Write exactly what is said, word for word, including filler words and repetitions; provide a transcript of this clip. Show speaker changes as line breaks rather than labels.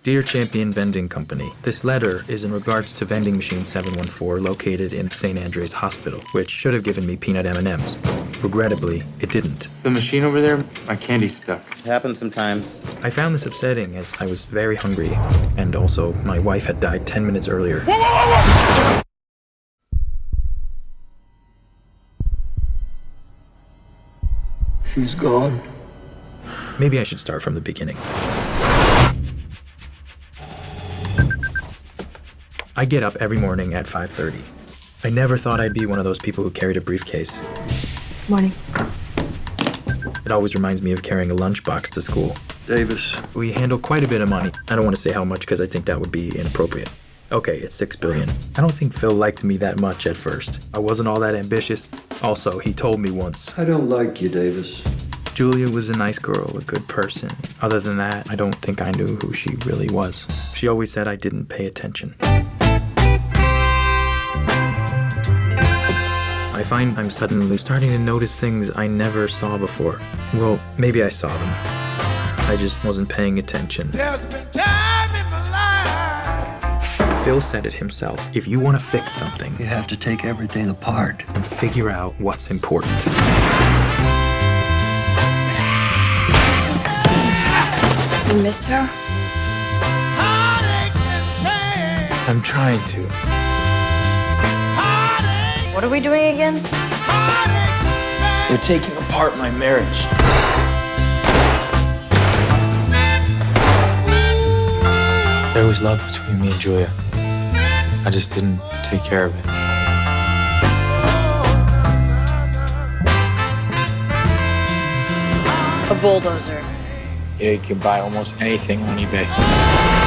Dear Champion Vending Company, this letter is in regards to vending machine seven one four located in Saint Andre's Hospital, which should have given me peanut M and M's. Regrettably, it didn't.
The machine over there, my candy's stuck.
It happens sometimes.
I found this upsetting as I was very hungry, and also my wife had died ten minutes earlier.
She's gone.
Maybe I should start from the beginning. I get up every morning at five thirty. I never thought I'd be one of those people who carried a briefcase.
Morning.
It always reminds me of carrying a lunchbox to school.
Davis.
We handle quite a bit of money. I don't want to say how much because I think that would be inappropriate. Okay, it's six billion. I don't think Phil liked me that much at first. I wasn't all that ambitious. Also, he told me once.
I don't like you, Davis.
Julia was a nice girl, a good person. Other than that, I don't think I knew who she really was. She always said I didn't pay attention. I find I'm suddenly starting to notice things I never saw before. Well, maybe I saw them. I just wasn't paying attention.
There's been time in my life.
Phil said it himself. If you want to fix something,
You have to take everything apart.
and figure out what's important.
You miss her?
Heartache and pain.
I'm trying to.
Heartache,
What are we doing again?
heartache,
They're taking apart my marriage. There was love between me and Julia. I just didn't take care of it.
A bulldozer.
Yeah, you can buy almost anything on eBay.